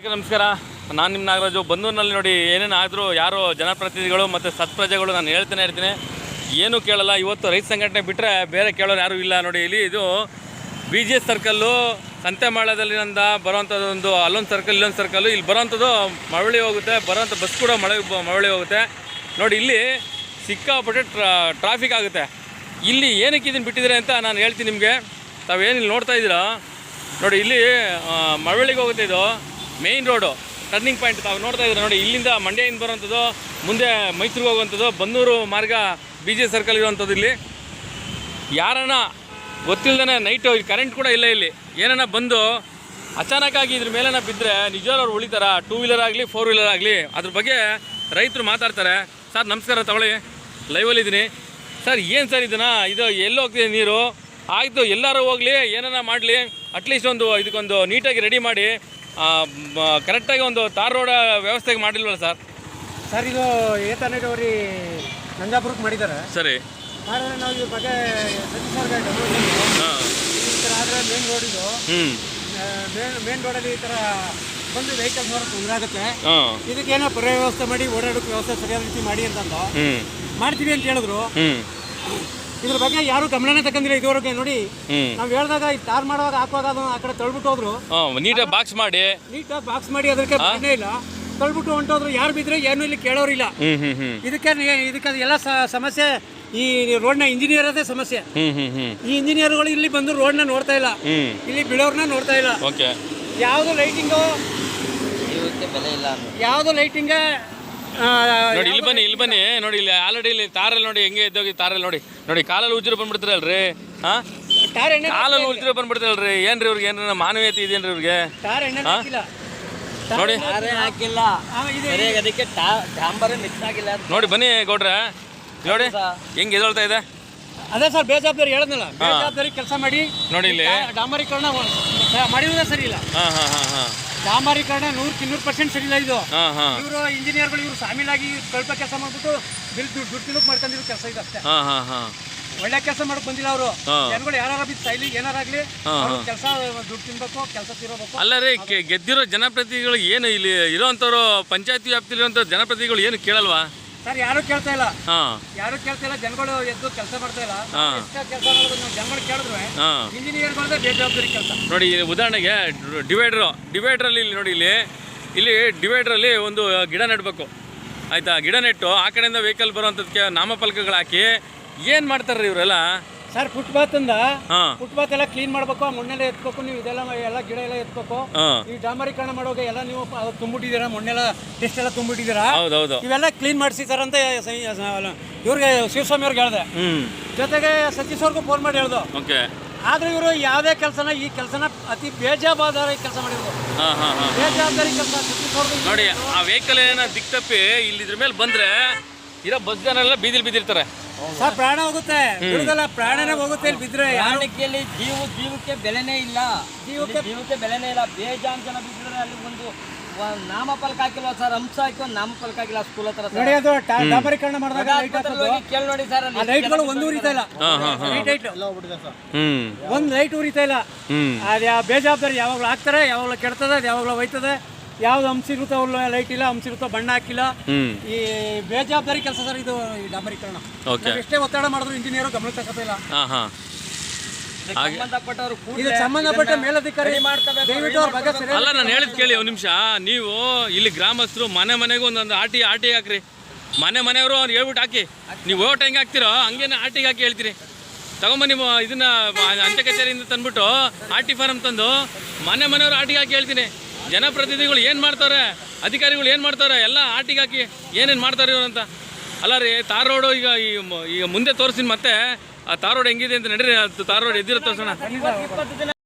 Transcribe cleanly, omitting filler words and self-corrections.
ವೀಕ್ಷಕರಿಗೆ ನಮಸ್ಕಾರ. ನಾನು ನಿಮ್ಮ ನಾಗರಾಜು. ಬಂದೂರಿನಲ್ಲಿ ನೋಡಿ ಏನೇನು ಆದರೂ ಯಾರು ಜನಪ್ರತಿನಿಧಿಗಳು ಮತ್ತು ಸತ್ಪ್ರಜೆಗಳು ನಾನು ಹೇಳ್ತಾನೆ ಇರ್ತೀನಿ, ಏನೂ ಕೇಳಲ್ಲ. ಇವತ್ತು ರೈತ ಸಂಘಟನೆ ಬಿಟ್ಟರೆ ಬೇರೆ ಕೇಳೋರು ಯಾರೂ ಇಲ್ಲ. ನೋಡಿ ಇಲ್ಲಿ ಇದು BGS ಸರ್ಕಲ್ಲು, ಸಂತೆಮಾಳದಲ್ಲಿಂದ ಬರೋವಂಥದ್ದು ಒಂದು ಅಲ್ಲೊಂದು ಸರ್ಕಲ್ ಇಲ್ಲೊಂದು ಸರ್ಕಲ್ಲು. ಇಲ್ಲಿ ಬರೋವಂಥದ್ದು ಮಳವಳ್ಳಿ ಹೋಗುತ್ತೆ, ಬರೋವಂಥ ಬಸ್ ಕೂಡ ಮಳವಳ್ಳಿ ಹೋಗುತ್ತೆ. ನೋಡಿ ಇಲ್ಲಿ ಸಿಕ್ಕಾಪಟ್ಟೆ ಟ್ರಾಫಿಕ್ ಆಗುತ್ತೆ. ಇಲ್ಲಿ ಏನಕ್ಕೆ ಇದನ್ನು ಬಿಟ್ಟಿದ್ದಾರೆ ಅಂತ ನಾನು ಹೇಳ್ತೀನಿ ನಿಮಗೆ. ತಾವೇನು ಇಲ್ಲಿ ನೋಡ್ತಾ ಇದ್ದೀರಾ ನೋಡಿ, ಇಲ್ಲಿ ಮಳವಳ್ಳಿಗೆ ಹೋಗುತ್ತೆ. ಇದು ಮೇಯ್ನ್ ರೋಡು, ಟರ್ನಿಂಗ್ ಪಾಯಿಂಟ್ ತಾವು ನೋಡ್ತಾ ಇದ್ದೀರಾ. ನೋಡಿ ಇಲ್ಲಿಂದ ಮಂಡ್ಯದಿಂದ ಬರೋವಂಥದ್ದು, ಮುಂದೆ ಮೈಸೂರಿಗೆ ಹೋಗುವಂಥದ್ದು, ಬನ್ನೂರು ಮಾರ್ಗ BGS ಸರ್ಕಲ್ ಇರುವಂಥದ್ದು. ಇಲ್ಲಿ ಯಾರನ್ನ ಗೊತ್ತಿಲ್ಲದೇ ನೈಟು ಕರೆಂಟ್ ಕೂಡ ಇಲ್ಲ, ಇಲ್ಲಿ ಏನನ್ನ ಬಂದು ಅಚಾನಕ್ಕಾಗಿ ಇದ್ರ ಮೇಲೆನ ಬಿದ್ದರೆ ನಿಜವಾಗ್ಲೂ ಅವ್ರು ಉಳಿತಾರ. 2 ವೀಲರ್ ಆಗಲಿ 4 ವೀಲರ್ ಆಗಲಿ. ಅದ್ರ ಬಗ್ಗೆ ರೈತರು ಮಾತಾಡ್ತಾರೆ. ಸರ್ ನಮಸ್ಕಾರ, ತಗೊಳ್ಳಿ, ಲೈವಲ್ಲಿದ್ದೀನಿ. ಸರ್ ಏನು ಸರ್ ಇದನ್ನು, ಇದು ಎಲ್ಲಿ ಹೋಗ್ತಿದೆ ನೀರು? ಆಯಿತು, ಎಲ್ಲರೂ ಹೋಗಲಿ, ಏನನ್ನ ಮಾಡಲಿ, ಅಟ್ಲೀಸ್ಟ್ ಒಂದು ಇದಕ್ಕೊಂದು ನೀಟಾಗಿ ರೆಡಿ ಮಾಡಿ ಕರೆಕ್ಟಾಗಿ ಒಂದು ತಾರ್ ರೋಡ್ ವ್ಯವಸ್ಥೆಗೆ ಮಾಡಿಲ್ವಲ್ಲ ಸರ್? ಸರ್ ಇದು ಏತನಗೌರಿ ನಂಜಾಪುರಕ್ಕೆ ಮಾಡಿದ್ದಾರೆ. ಸರಿ, ಮಾಡಿದ್ರೆ ನಾವು ಇದ್ರ ಬಗ್ಗೆ ಈ ಥರ ಆದರೆ ಮೇನ್ ರೋಡ್ ಇದು, ಮೇನ್ ರೋಡಲ್ಲಿ ಈ ಥರ ಬಂದು ವೆಹಿಕಲ್ಸ್ ಬರೋಕ್ಕೆ ತೊಂದರೆ ಆಗುತ್ತೆ. ಇದಕ್ಕೇನೋ ಪರ್ಯಾಯ ವ್ಯವಸ್ಥೆ ಮಾಡಿ ಓಡಾಡೋಕ್ಕೆ ವ್ಯವಸ್ಥೆ ಸರಿಯಾದ ರೀತಿ ಮಾಡಿ ಅಂತಂದು ಮಾಡ್ತೀವಿ ಅಂತ ಹೇಳಿದ್ರು. ಇದ್ರ ಬಗ್ಗೆ ಯಾರು ಗಮನನೇ ತಗೊಂಡಿಲ್ಲ ಇದುವರೆಗೆ. ನೋಡಿ ನಾವು ಹೇಳಿದಾಗ ತಾರ್ ಮಾಡುವಾಗ ಹಾಕುವಾಗ ಅದನ್ನು ಆ ಕಡೆ ತಳ್ಬಿಟ್ಟು ಹೋದ್ರು. ನೀಟಾಗಿ ಬಾಕ್ಸ್ ಮಾಡಿ ಅದಕ್ಕೆ ಬರನೇ ಇಲ್ಲ, ತಳ್ಬಿಟ್ಟು ಹೊಂಟೋದ್ರು. ಯಾರು ಬಿದ್ರೆ ಏನು ಇಲ್ಲಿ ಕೇಳೋರಿಲ್ಲ. ಇದಕ್ಕೆ ಎಲ್ಲ ಸಮಸ್ಯೆ ಈ ರೋಡ್ನ ಇಂಜಿನಿಯರದೇ ಸಮಸ್ಯೆ. ಈ ಇಂಜಿನಿಯರ್ಗಳು ಇಲ್ಲಿ ಬಂದು ರೋಡ್ನ ನೋಡ್ತಾ ಇಲ್ಲ, ಇಲ್ಲಿ ಬಿಡೋರ್ನ ನೋಡ್ತಾ ಇಲ್ಲ. ಯಾವುದು ಲೈಟಿಂಗು, ಯಾವುದು ಲೈಟಿಂಗ್. ನೋಡಿ ಇಲ್ಲಿ ಬನ್ನಿ ನೋಡಿ, ಇಲ್ಲಿ ಆಲ್ರೆಡಿ ಇಲ್ಲಿ ತಾರಲ್ಲಿ ನೋಡಿ ಹೆಂಗೆ ಇದ್ದೋಗಿ ತಾರಲ್ಲಿ ನೋಡಿ ಕಾಲಲ್ಲಿ ಉಜ್ಜಿರು ಬಂದ್ಬಿಡ್ತಾರಲ್ರಿ. ಕಾಲಲ್ಲಿ ಉಜ್ಜಿರು ಬಂದ್ಬಿಡ್ತಾರಲ್ರಿ. ಏನ್ರಿ ಇವ್ರಿಗೆ ಏನಾರ ಮಾನವೀಯತೆ ಇದೆಯೇನ್ರಿ ಇವ್ರಿಗೆ? ನೋಡಿ ನೋಡಿ ಬನ್ನಿ ಗೌಡ್ರೆ, ನೋಡಿ ಹೆಂಗೆ ಎದೊಳ್ತಾ ಇದೆ. ಅದೇ ಸರ್ ಬೇಜವಾಬ್ದಾರಿ ಹೇಳಿದ್ನಲ್ಲ, ಬೇಜವಾಬ್ದಾರಿ ಕೆಲಸ ಮಾಡಿ. ನೋಡಿ ಇಲ್ಲಿ ಡಾಂಬರೀಕರಣ ಮಾಡಿರೋದೇ ಸರಿ ಇಲ್ಲ. ಡಾಂಬರೀಕರಣ 100% ಸರಿ ಇಲ್ಲ. ಇದು ಇವರು ಇಂಜಿನಿಯರ್ಗಳು ಇವರು ಸಾಮೀಲಾಗಿ ಸ್ವಲ್ಪ ಕೆಲಸ ಮಾಡ್ಬಿಟ್ಟು ದುಡ್ಡು ತಿನ್ನೋಕೆ ಮಾಡ್ಕೊಂಡಿರೋ ಕೆಲಸ ಇದು ಅಷ್ಟೇ. ಒಳ್ಳೆ ಕೆಲಸ ಮಾಡಕ್ ಬಂದಿಲ್ಲ ಅವರು. ಜನಗಳು ಯಾರು ಬಿದ್ದು ಸೈಲಿ ಏನಾರಾಗ್ಲಿ ಕೆಲಸ ದುಡ್ಡು ತಿನ್ಬೇಕು, ಕೆಲಸ ತಿರೋಬೇಕು. ಅಲ್ಲ ರೀ, ಗೆದ್ದಿರೋ ಜನಪ್ರತಿನಿಧಿಗಳು ಏನು ಇಲ್ಲಿ ಇರೋಂಥವ್ರು, ಪಂಚಾಯತಿ ವ್ಯಾಪ್ತಿಲಿ ಇರುವಂಥ ಜನಪ್ರತಿನಿಧಿಗಳು ಏನು ಕೇಳಲ್ವಾ ಸರ್? ಯಾರು ಕೇಳ್ತಾ ಇಲ್ಲ, ಜನಗಳು ಎದ್ದು ಕೆಲಸ ಮಾಡ್ತಾ ಇಲ್ಲ. ಕೆಲಸ ಮಾಡೋದು ಜನಗಳು ಕೇಳಿದ್ರೆ ಇಂಜಿನಿಯರ್ಗಳದೇ ಬೇಜವಾಬ್ದಾರಿ ಕೆಲಸ. ನೋಡಿ ಉದಾಹರಣೆಗೆ ಡಿವೈಡ್ರಲ್ಲಿ ಇಲ್ಲಿ ನೋಡಿ, ಇಲ್ಲಿ ಡಿವೈಡ್ರಲ್ಲಿ ಒಂದು ಗಿಡ ನೆಡಬೇಕು, ಆಯ್ತಾ? ಗಿಡ ನೆಟ್ಟು ಆ ಕಡೆಯಿಂದ ವೆಹಿಕಲ್ ಬರುವಂಥದಕ್ಕೆ ನಾಮಫಲಕಗಳು ಹಾಕಿ ಏನು ಮಾಡ್ತಾರ್ರಿ ಇವರೆಲ್ಲ? ಸರ್ ಫುಟ್ಪಾತ್ ಎಲ್ಲ ಕ್ಲೀನ್ ಮಾಡ್ಬೇಕು, ಮಣ್ಣೆಲ್ಲ ಎತ್ಬೇಕು, ನೀವು ಇದೆಲ್ಲ ಎಲ್ಲ ಗಿಡ ಎಲ್ಲ ಎತ್ಬೇಕು. ಈ ಡಾಂಬರೀಕರಣ ಮಾಡೋಕೆ ಎಲ್ಲ ನೀವು ತುಂಬಿಟ್ಟಿದ್ದೀರಾ, ಮಣ್ಣೆಲ್ಲ ಟೆಸ್ಟ್ ಎಲ್ಲ ತುಂಬಿಟ್ಟಿದ್ದೀರಾ, ಇವೆಲ್ಲ ಕ್ಲೀನ್ ಮಾಡಿಸಿ ಸರ್ ಅಂತ ಇವ್ರಿಗೆ ಶಿವಸ್ವಾಮಿ ಅವ್ರಿಗೆ ಹೇಳಿದೆ. ಜೊತೆಗೆ ಸತೀಶ್ ಅವ್ರಿಗೂ ಫೋನ್ ಮಾಡಿ ಹೇಳ್ದು. ಆದ್ರೆ ಇವರು ಯಾವುದೇ ಕೆಲಸನ ಈ ಕೆಲಸನ ಅತಿ ಬೇಜವಾಬ್ದಾರಿ ಕೆಲಸ ಮಾಡಿದ್ರು. ಬೇಜವಾಬ್ದಾರಿ ಕೆಲಸ ಸತೀಶ್ ಅವ್ರಿಗೆ. ನೋಡಿ ಆ ವೆಹಿಕಲ್ ಏನೋ ದಿಕ್ ತಪ್ಪಿ ಇಲ್ಲಿ ಇದ್ರ ಮೇಲೆ ಬಂದ್ರೆ ಇರೋ ಬಸ್ ಜನ ಎಲ್ಲ ಬೀದಿಲಿ ಬಿದ್ದಿರ್ತಾರೆ. ಸರ್ ಪ್ರಾಣ ಹೋಗುತ್ತೆ, ಬಿಡುದಲ್ಲ ಪ್ರಾಣನೇ ಹೋಗುತ್ತೆ. ಇಲ್ಲಿ ಬಿದ್ರೆ ಪ್ರಾಣಕ್ಕೆ ಜೀವಕ್ಕೆ ಬೆಲೆನೇ ಇಲ್ಲ, ಜೀವಕ್ಕೆ ಬೆಲೆನೇ ಇಲ್ಲ. ಬೇಜಾನ್ ಜನ ಬಿದ್ದರೆ ಅಲ್ಲಿ ಒಂದು ನಾಮಫಲಕ ಹಾಕಿಲ್ವ ಸರ್? ಅಂಶ ಹಾಕಿ ಒಂದು ನಾಮಫಲಕ ಹಾಕಿಲ್ಲ ಸ್ಕೂಲ್ ಹತ್ರ. ನೋಡಿ ಅದು ಡಾಂಬರೀಕರಣ ಮಾಡಿದಾಗ ಕೇಳಿ ನೋಡಿ ಸರ್, ಲೈಟ್ಗಳು ಒಂದು ಉರಿತಾ ಇಲ್ಲ, ಒಂದು ಲೈಟ್ ಉರಿತಾ ಇಲ್ಲ. ಅದು ಬೇಜವಾಬ್ದಾರಿ ಯಾವಾಗಲೂ ಹಾಕ್ತಾರೆ, ಯಾವಾಗಲೂ ಕೆಡ್ತದೆ, ಅದು ಯಾವಾಗಲೂ ಹೋಯ್ತದೆ. ಯಾವ್ದು ಅಂಶ ಇರುತ್ತೋ ಅವ್ರು ಲೈಟ್ ಇಲ್ಲ, ಅಂಶ ಇರುತ್ತೋ ಬಣ್ಣ ಹಾಕಿಲ್ಲ. ಈ ಬೇಜವಾಬ್ದಾರಿ ಕೆಲಸ ಸರ್ ಇದು ಈ ಡಾಂಬರೀಕರಣ. ಎಷ್ಟೇ ಒತ್ತಡ ಮಾಡಿದ್ರು ಇಂಜಿನಿಯರ್ ಗಮನ ತಗೋತಿಲ್ಲ. ಸಂಬಂಧಪಟ್ಟ ಮೇಲಧಿಕಾರಿ ದಯವಿಟ್ಟು ಅವ್ರ ಬಗ್ಗೆ. ಅಲ್ಲ ನಾನು ಹೇಳಿದ್ ಕೇಳಿ ಒಂದು ನಿಮಿಷ. ನೀವು ಇಲ್ಲಿ ಗ್ರಾಮಸ್ಥರು ಮನೆಗೂ ಒಂದೊಂದು ಆಟಿ ಹಾಕ್ರಿ. ಮನೆಯವರು ಅವ್ರು ಹೇಳ್ಬಿಟ್ಟು ಹಾಕಿ. ನೀವು ಓಟ್ ಹೆಂಗೆ ಹಾಕ್ತಿರೋ ಹಂಗೇನೆ ಆಟಿಗೆ ಹಾಕಿ ಹೇಳ್ತೀರಿ. ತಗೊಂಬನ್ನಿ ಇದನ್ನ ಅಂಚೆ ಕಚೇರಿಯಿಂದ ತಂದ್ಬಿಟ್ಟು ಆಟಿ ಫಾರಂ ತಂದು ಮನೆಯವರು ಆಟಿಗೆ ಹಾಕಿ ಹೇಳ್ತೀನಿ. ಜನಪ್ರತಿನಿಧಿಗಳು ಏನು ಮಾಡ್ತಾರೆ, ಅಧಿಕಾರಿಗಳು ಏನು ಮಾಡ್ತಾರೆ, ಎಲ್ಲ ಆಟಿಗೆ ಹಾಕಿ ಏನೇನು ಮಾಡ್ತಾರೆ ಇವರು ಅಂತ. ಅಲ್ಲ ರೀ, ತಾರ್ ರೋಡು ಈಗ ಮುಂದೆ ತೋರಿಸ್ತೀನಿ ಮತ್ತೆ. ಆ ತಾರ್ ರೋಡ್ ಹೆಂಗಿದೆ ಅಂತ ನಡೀರಿ. ತಾರ್ ರೋಡ್ ಎದ್ದಿರೋ ತೋರಿಸೋಣ.